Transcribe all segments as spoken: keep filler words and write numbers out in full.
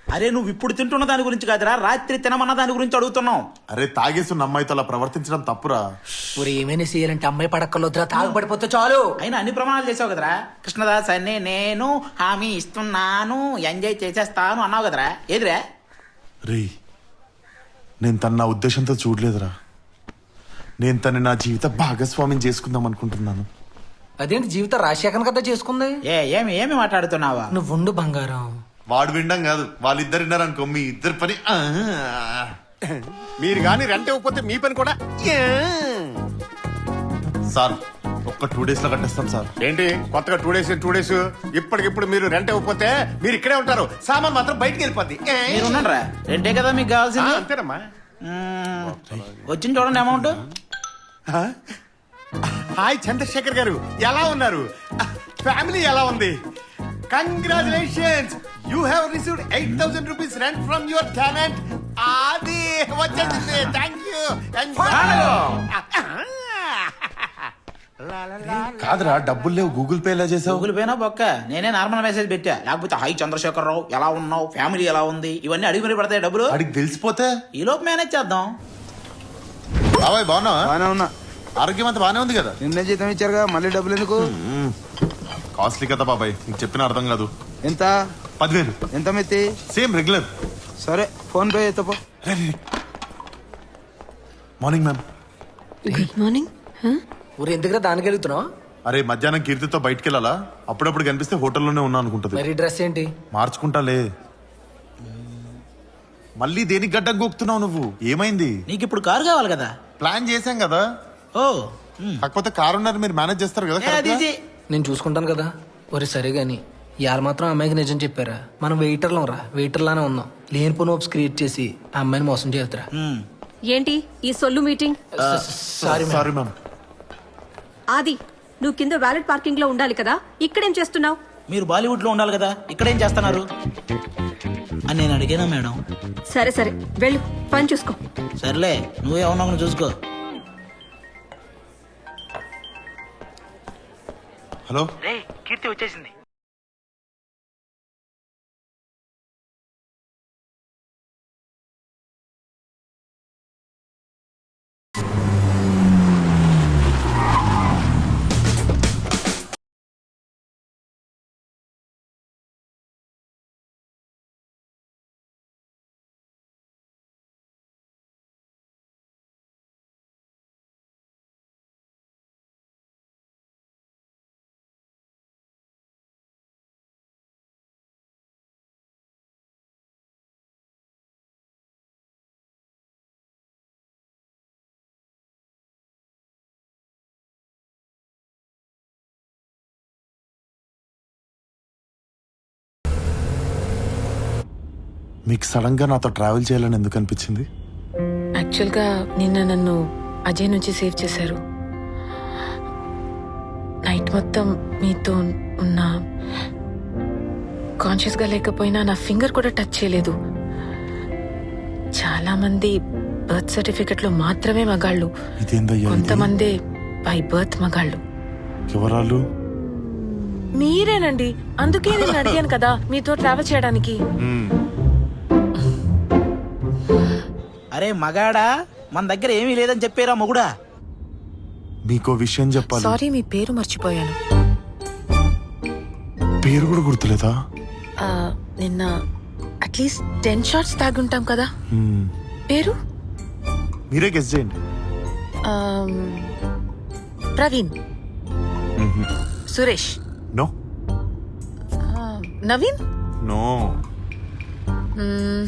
అరే నువ్వు ఇప్పుడు తింటున్న దాని గురించి కాదురా, రాత్రి తినమన్న దాని గురించి అడుగుతున్నావు. అరే తాగేస్తున్న అమ్మాయితో అలా ప్రవర్తించడం తప్పురా. ఊరు ఏమైనా చేయాలంటే అమ్మాయి పడక్కర్లొద్దురా, తాగుపడిపోతే చాలు. అయినా అన్ని ప్రమాణాలు చేసావు కదరా. కృష్ణదాస్ అని నేను హామీ ఇస్తున్నాను, ఎంజాయ్ చేసేస్తాను అన్నావు కదరా, ఏదిరా? రే నేను తన నా ఉద్దేశంతో చూడలేదురా. నేను తన నా జీవిత భాగస్వామ్యం చేసుకుందాం అనుకుంటున్నాను. అదేంటి జీవితం రాజశేఖర్ కదా చేసుకుంది? ఏ ఏమి ఏమి మాట్లాడుతున్నావా? నువ్వు ఉండు బంగారం. వాడు వినడం కాదు, వాళ్ళిద్దరు విన్నారనుకో మీ ఇద్దరు పని. ఆ. మీరు గాని రెంట్ ఇవ్వకపోతే మీ పని కూడా యా. సార్ ఒక్క టూ డేస్ లో కట్టేస్తాం సార్. ఏంటి కొత్తగా టూ డేస్ టూ డేస్ ఇప్పటికిప్పుడు మీరు రెంట్ ఇవ్వకపోతే మీరు ఇక్కడే ఉంటారు, సామాన్ మాత్రం బయటికి వెళ్ళిపోద్ది. ఏ. మీరు ఉన్నారా? రెండే కదా మీకు ఆ, కావాల్సింది. అంతేనమ్మా. మ్మ్. వచ్చింది చూడండి అమౌంట్. హాయ్ చంద్రశేఖర్ గారు, ఎలా ఉన్నారు? ఫ్యామిలీ ఎలా ఉంది? Congratulations, you have received eight thousand rupees rent from your tenant. అది వచ్చేసింది. Thank you. కాదురా డబ్బులు లేవు, గూగుల్ పే ఎలా చేసావు? గూగుల్ పేనా బొక్క, నేనే నార్మల్ మెసేజ్ పెట్టా. లేకపోతే హై చంద్రశేఖర్ రావు ఎలా ఉన్నావు, ఫ్యామిలీ ఎలా ఉంది, ఇవన్నీ అడిగి మరి పడతాయి డబ్బులు. అడిగి తెలిసిపోతే ఈ లోపు మేనేజ్ చేద్దాం. బాబాయ్ బాగున్నావా? బానే ఉన్నా. ఆరోగ్యం అంతా బానే ఉంది కదా? నిన్నే జీతం ఇచ్చారుగా, మళ్ళీ డబ్బులు ఎందుకు? కాస్ట్లీ కదా బాబాయ్, నీకు చెప్పిన అర్థం కాదు. ఎంత పదివేలు ఎంత మెత్తి? Same regular. సరే ఫోన్ పే ఎత్తపో. Morning ma'am. Good morning. ఊరు ఎందుకురా దానికి వెళ్తున్నావు? అరే మధ్యాహ్నం కీర్తితో బయటికి వెళ్ళాలా, అప్పుడప్పుడు కనిపిస్తే హోటల్లోనే ఉన్నా అనుకుంటది. మరి డ్రెస్ ఏంటి? మార్చుకుంటాలే. మళ్ళీ దేనికి గడ్డం గోక్తున్నావు నువ్వు? ఏమైంది? నీకు ఇప్పుడు కారు కావాలి కదా. ప్లాన్ చేశాం కదా. ఓ కాకపోతే కారు ఉన్నారు, మీరు మేనేజ్ చేస్తారు కదా ఏ, correct అది గా? ఈజీ. నేను చూసుకుంటాను కదా. ఒరే సరే గాని ఇవాళ మాత్రం అమ్మాయికి నిజం చెప్పారా? మనం వెయిటర్లం రా, వెయిటర్లానే ఉన్నాం. లేనిపోని హోప్స్ క్రియేట్ చేసి ఆ అమ్మాయిని మోసం చేస్తారా? మ్మ్. ఏంటి ఈ సొల్లు మీటింగ్? Sorry sorry ma'am. ఆది, నువ్వు కింద వ్యాలెట్ పార్కింగ్ లో ఉండాలి కదా, ఇక్కడేం చేస్తున్నావు? మీరు బాలీవుడ్ లో ఉండాలి కదా, ఇక్కడేం చేస్తున్నారు అని నేను అడిగానా మేడం? సరే సరే వెళ్ళు, పని చూసుకో. సర్లే, నువ్వే ఉన్నావు చూసుకో. హలో కీర్తి వచ్చేసింది. మీకు సడన్ గా నాతో ట్రావెల్ చేయాలని ఎందుకు అనిపించింది? యాక్చువల్గా నిన్న నన్ను అజయ్ నుంచి సేవ్ చేశారు. నైట్ మొత్తం మీతో ఉన్న కాన్షియస్గా లేకపోయినా నా ఫింగర్ కూడా టచ్ చేయలేదు. చాలా మంది బర్త్ సర్టిఫికెట్లో మాత్రమే మగాళ్ళు, ఇదేందయ్యా ఇది? కొంతమంది బై బర్త్ మగాళ్ళు. ఎవరాలు? మీరేనండి, అందుకే నేను అడిగాను కదా మీతో ట్రావెల్ చేయడానికి. మ్మ్. అరే మగాడా, మన దగ్గర ఏమీ లేదని చెప్పారా మొగుడా? మీకో విషయం చెప్పాలి. సారీ, మీ పేరు మర్చిపోయాను. పేరు కూడా గుర్తులేదా? ఆ, నిన్న అట్లీస్ట్ టెన్ షార్ట్స్ తాగుంటాం కదా. మ్మ్. పేరు మీరే గెస్ చేయండి. Um, Praveen, hmm. Suresh, no ఆ, నవీన్, నో మ్మ్,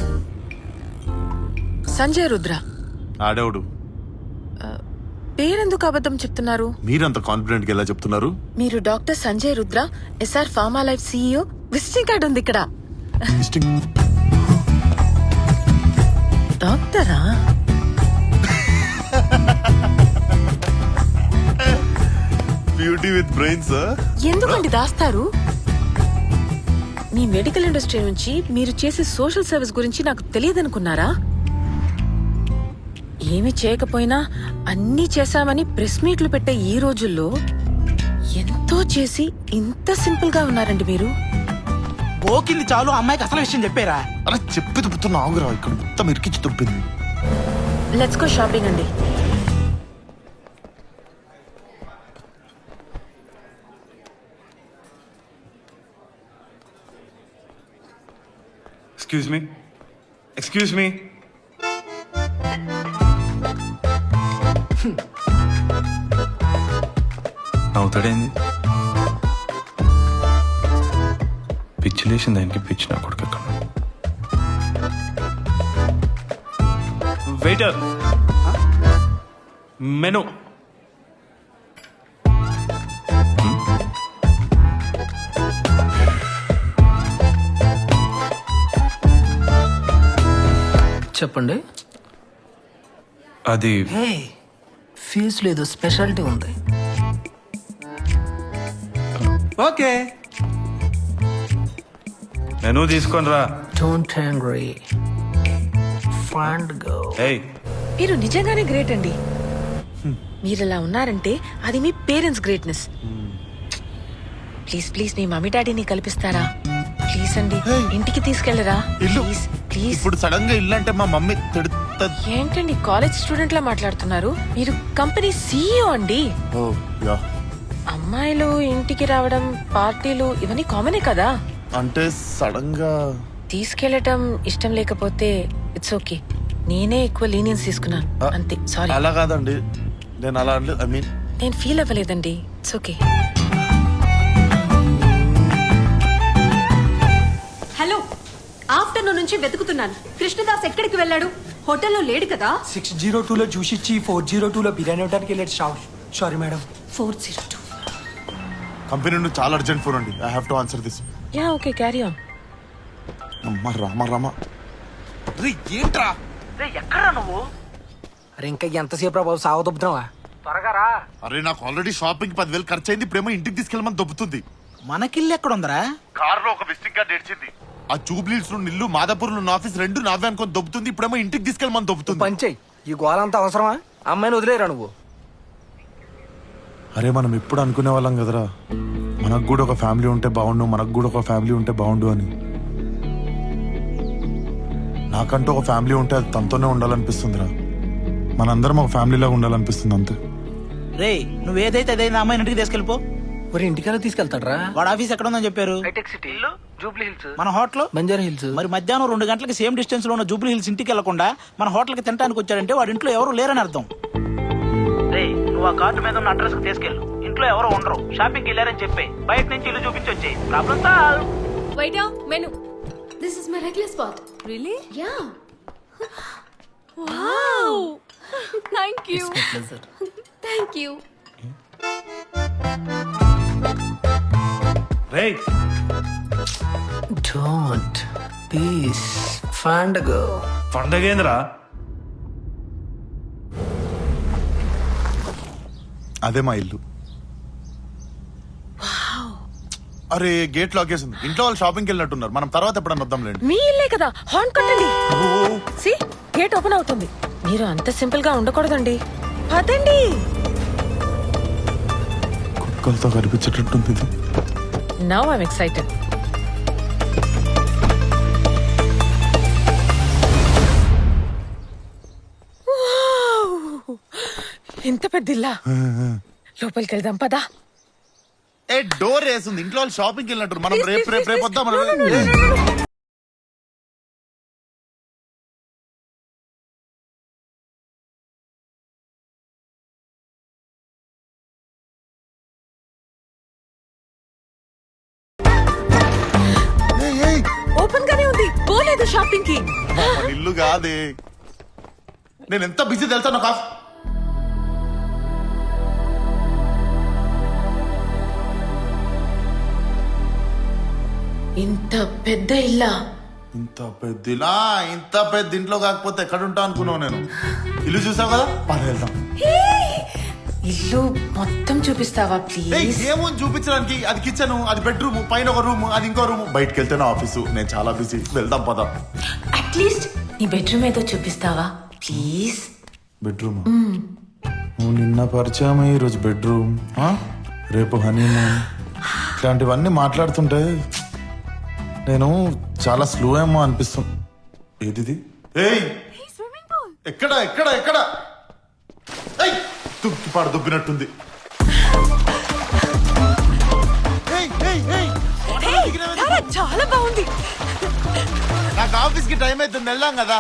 సంజయ్ రుద్ర. ఆడేవుడు. పేరెందుకు అబద్ధం చెప్తున్నారు? మీరంత కాన్ఫిడెంట్ గా ఎలా చెప్తున్నారు? మీరు doctor Sanjay Rudra, SR pharma life CEO. Visiting card ఉంది ఇక్కడ. Distinct- డాక్టరా? Beauty with brains. ఎందుకండి దాస్తారు? మీ మెడికల్ ఇండస్ట్రీ నుంచి మీరు చేసే సోషల్ సర్వీస్ గురించి నాకు తెలియదనుకున్నారా? ఏమి చేయకపోయినా అన్నీ చేశామని ప్రెస్ మీట్లు పెట్టే ఈ రోజుల్లో ఎంతో చేసి ఇంత సింపుల్ గా ఉన్నారండి మీరు. గోకింది చాలు అమ్మాయికి అసలు విషయం చెప్పారా? అరే చెప్పి దుబ్బుతున్నా ఆగురా, ఇక్కడ మొత్తం ఇరికించి దుబ్బింది. లెట్స్ గో షాపింగ్ అండి. ఎక్స్క్యూజ్ మీ ఎక్స్క్యూజ్ మీ నవ్వుతాడేంది? పిచ్చి లేచింది దానికి, పిచ్చి నా కొడుకు ఎక్కడ. Waiter, menu. చెప్పండి. అది హే, ఫీజు లేదు, స్పెషాలిటీ ఉంది. ఓకే మెను తీసుకొని రా. Don't angry, find go. ఏయ్, మీరు నిజంగానే గ్రేట్ అండి. మీరు ఇలా ఉన్నారంటే అది మీ పేరెంట్స్ గ్రేట్నెస్. ప్లీజ్ ప్లీజ్ మీ మమ్మీ డాడీని కల్పిస్తారా? ప్లీజ్ అండి, ఇంటికి తీసుకెళ్లరా? ఇల్లు ప్లీజ్ ప్లీజ్. ఇప్పుడు సడన్ గా ఇల్లు అంటే మా మమ్మీ తిడుతుంది. ఏంటండి కాలేజ్ స్టూడెంట్ లా మాట్లాడుతున్నారు? మీరు కంపెనీ సీఈఓ అండి. ఓ యా, అమ్మాయిలు ఇంటికి రావడం, పార్టీలు ఇవన్నీ కామనే కదా. అంటే సడన్ గా తీసుకెళ్లటం ఇష్టం లేకపోతే ఇట్స్ ఓకే. నేనే ఎక్కువ లీనియన్స్ తీసుకున్నాను అంతే. సారీ. అలా కాదండి, నేను అలా అంటే ఐ మీన్ నేను ఫీల్ అవ్వలేదండి. It's okay. హలో, ఆఫ్టర్నూన్ నుంచి వెతుకుతున్నాను. కృష్ణదాస్ ఎక్కడికి వెళ్ళాడు? హోటల్లో లేడు కదా? సిక్స్ జీరో టూలో జ్యూస్ ఇచ్చి ఫోర్ జీరో టూలో బిర్యానీ ఇవ్వడానికి వెళ్ళాడు. Shop sorry madam. Four zero two. Company నుండి చాలా అర్జెంట్ ఫోన్ అండి. I have to answer this. Yeah okay, carry on. అమ్మ రామ రామ. ఏంట్రా ఎక్కడా నువ్వు? అరే ఇంకా ఎంతసేపు రా బాబు, సాగు దొబ్బుతున్నావా? త్వరగా రా. అరే నాకు ఆల్రెడీ షాపింగ్ పదివేలు ఖర్చు అయింది, ఇప్పుడేమో ఇంటికి తీసుకెళ్ళమని దొబ్బుతుంది. మనకిల్లు ఎక్కడుందరా? కారులో ఒక విజిటింగ్ కార్డ్ ఏడ్చింది. ఆ జూబ్లీస్ నుండి ఇల్లు, మాదాపూర్ ఉన్న ఆఫీస్ రెండు నావే అనుకొని దొబ్బుతుంది, ఇప్పుడేమో ఇంటికి తీసుకెళ్ళమని దొబ్బుతుంది. పంచేయి, ఈ గోలంతా అవసరమా? అమ్మాయిని వదిలేరా నువ్వు? అరే మనం ఎప్పుడు అనుకునే వాళ్ళం కదరా, మనకు కూడా ఒక ఫ్యామిలీ ఉంటే బాగుండు, మనకు కూడా ఒక ఫ్యామిలీ ఉంటే బాగుండు అని. నాకంటూ ఒక ఫ్యామిలీ ఉంటే అది తనతోనే ఉండాలనిపిస్తుందిరా. మనందరం ఒక ఫ్యామిలీలాగా ఉండాలనిపిస్తుంది అంతే. రే, నువ్వేదైతే అదైనా అమ్మాయిని ఇంటికి తీసుకెళ్ళిపో. మరి ఇంటికెలా తీసుకెళ్తాడ్రా? వాడు ఆఫీస్ ఎక్కడ ఉందని చెప్పారు? జూబ్లీ హిల్స్, మన హోటల్ బంజారా హిల్స్. మరి మధ్యాహ్నం రెండు గంటలకి సేమ్ డిస్టెన్స్ లో ఉన్న జూబ్లీ హిల్స్ ఇంటికి వెళ్లకుండా మన హోటల్ కి తినడానికి వచ్చాడంటే వాడి ఇంట్లో ఎవరు లేరని అర్థం. రే, నువ్వు ఆ కార్డు మీద ఉన్న అడ్రస్ కి తీసుకెళ్ళు. ఇంట్లో ఎవరు ఉండరు, షాపింగ్ వెళ్ళారని చెప్పి బయట నుంచి ఇల్లు చూపించి వచ్చే problem solve. Waiter, menu. This is my regular spot. Really? Yeah. Wow. Thank you. Thank you. రేయ్, డోంట్ పీస్ ఫైండ్ గో. పండగేంద్రా? అదే మా ఇల్లు. అరే గేట్ లాక్ చేసింది, ఇంట్లో వాళ్ళు షాపింగ్కి వెళ్ళినట్టున్నారు. మనం తర్వాత ఎప్పుడన్నా వద్దాంలేండి. మీ ఇల్లే కదా, హార్న్ కొట్టండి. సి గేట్ ఓపెన్ అవుతుంది. మీరు అంత సింపుల్ గా ఉండకూడదండి. పదండి. కుక్కలతో కనిపించేటట్టుంది ఇది. Now I'm excited. ఎంత పెద్ద ఇల్లా? లోపలికి వెళ్దాం పదా. ఏ డోర్ వేసింది, ఇంట్లో వాళ్ళు షాపింగ్కి వెళ్ళినట్టు. మనం రేపు రేపు రేపు వద్దాం. మనం ఓపెన్ గానే ఉంది, పోలేదు షాపింగ్ కి. మన ఇల్లు కాదే. నేను ఎంత బిజీ తెలుసా నాకు. ఆఫ్- ఇంత పెద్ద ఇల్లా? ఇంత పెద్ద ఇల్లా? ఇంత పెద్ద ఇంట్లో కాకపోతే ఎక్కడ ఉంటా అనుకున్నావు నేను. ఇల్లు చూసావు కదా, పని వెళ్దాం. ఇల్లు మొత్తం చూపిస్తావా ప్లీజ్? ఏముంది చూపించడానికి? అది కిచెన్, అది బెడ్రూమ్, పైన ఒక రూమ్, అది ఇంకో రూమ్. బయటకు వెళ్తే నా ఆఫీసు. నేను చాలా బిజీ, వెళ్దాం పద. అట్లీస్ట్ నీ బెడ్రూమ్ ఏదో చూపిస్తావా ప్లీజ్? బెడ్రూమ్ నువ్వు నిన్న పరిచయం, ఈరోజు బెడ్రూమ్, రేపు హనీమూన్, ఇట్లాంటివన్నీ మాట్లాడుతుంటే నేను చాలా స్లో ఏమో అనిపిస్తుంది. ఏదిది? ఏయ్ ఎక్కడ ఎక్కడ ఎక్కడ? ఏయ్, తుక్కిపాడు దుబ్బినట్టుంది. ఏయ్, ఏయ్, ఏయ్. చాలా బాగుంది. నాకు ఆఫీస్ కి టైం అవుతుంది, వెళ్ళాం కదా.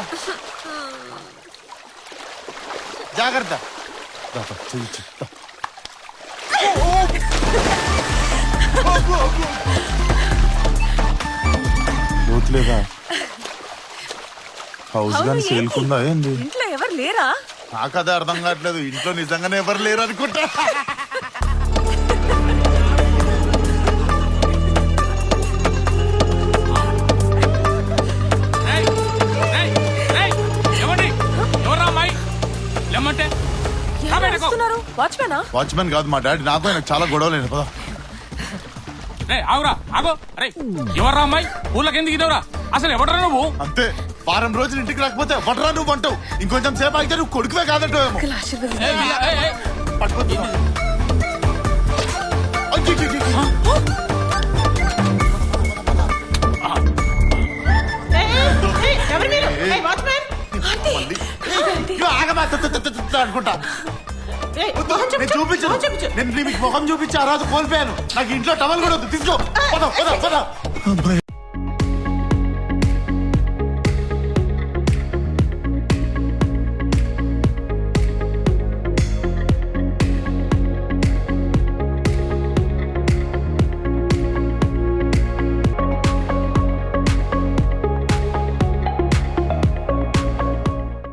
జాగ్రత్త. దాపా, చెయ్యి, చెయ్యి. పోతులేదా? హౌస్ గాని సేల్కుందా ఏంది? ఇంట్లో ఎవరు లేరా? నాకు అదే అర్థం కావట్లేదు. ఇంట్లో నిజంగానే ఎవరు లేరు అనుకుంటా. వాచ్మెనా? వాచ్మెన్ కాదు మా డాడీ. నాకు ఆయన చాలా గొడవలేదు. పదా ఆగురా ఆగో. అరే ఎవర్రా అమ్మాయి? ఊళ్ళకి ఎందుకు ఇదవరా? అసలు ఎవడరా నువ్వు? అంతే, వారం రోజులు ఇంటికి రాకపోతే వటరా నువ్వు అంటావు. ఇంకొంచెం సేపు అయితే నువ్వు కొడుకువే కాదంటావేమో. పట్టుకోద్దు. అనుకుంటా చూపించు. నేను నీకు ముఖం చూపించి ఆ రోజు కోల్పోయాను. నాకు ఇంట్లో టవల్ కూడా వద్దు. తీసుకో. పద, పద, పద.